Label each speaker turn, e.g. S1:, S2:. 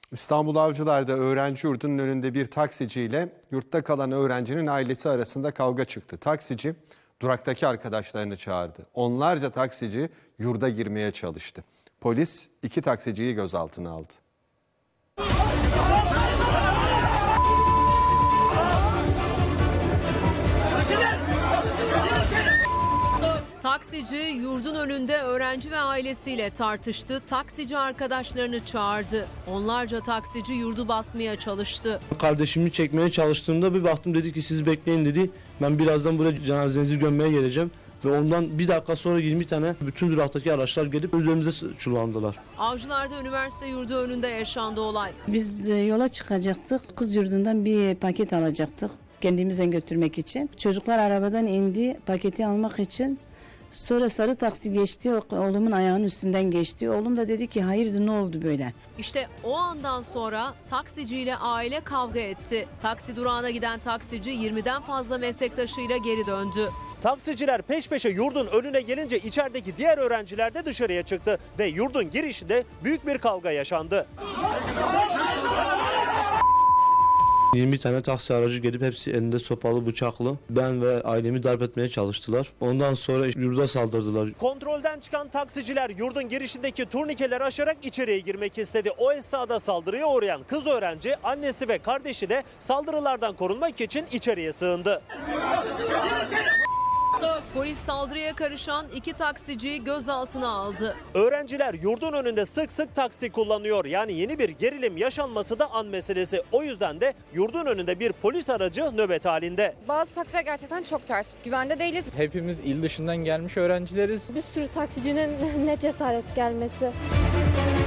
S1: İstanbul Avcılar'da öğrenci yurdunun önünde bir taksiciyle yurtta kalan öğrencinin ailesi arasında kavga çıktı. Taksici duraktaki arkadaşlarını çağırdı. Onlarca taksici yurda girmeye çalıştı. Polis 2 taksiciyi gözaltına aldı.
S2: Taksici yurdun önünde öğrenci ve ailesiyle tartıştı. Taksici arkadaşlarını çağırdı. Onlarca taksici yurdu basmaya çalıştı.
S3: Kardeşimi çekmeye çalıştığımda bir baktım, dedi ki siz bekleyin dedi. Ben birazdan buraya cenazenizi gömmeye geleceğim. Ve ondan bir dakika sonra 20 tane bütün duraktaki araçlar gelip üzerimize çullandılar.
S2: Avcılar'da üniversite yurdu önünde yaşandı olay.
S4: Biz yola çıkacaktık. Kız yurdundan bir paket alacaktık. Kendimize götürmek için. Çocuklar arabadan indi paketi almak için. Sonra sarı taksi geçti, oğlumun ayağının üstünden geçti. Oğlum da dedi ki hayırdır ne oldu böyle?
S2: İşte o andan sonra taksiciyle aile kavga etti. Taksi durağına giden taksici 20'den fazla meslektaşıyla geri döndü.
S5: Taksiciler peş peşe yurdun önüne gelince içerideki diğer öğrenciler de dışarıya çıktı ve yurdun girişinde büyük bir kavga yaşandı.
S3: 20 tane taksi aracı gelip hepsi elinde sopalı, bıçaklı. Ben ve ailemi darp etmeye çalıştılar. Ondan sonra yurda saldırdılar.
S5: Kontrolden çıkan taksiciler yurdun girişindeki turnikeleri aşarak içeriye girmek istedi. O esnada saldırıya uğrayan kız öğrenci, annesi ve kardeşi de saldırılardan korunmak için içeriye sığındı.
S2: Polis saldırıya karışan 2 taksiciyi gözaltına aldı.
S5: Öğrenciler yurdun önünde sık sık taksi kullanıyor. Yani yeni bir gerilim yaşanması da an meselesi. O yüzden de yurdun önünde bir polis aracı nöbet halinde.
S6: Bazı taksiler gerçekten çok ters. Güvende değiliz.
S7: Hepimiz il dışından gelmiş öğrencileriz.
S8: Bir sürü taksicinin ne cesaret gelmesi.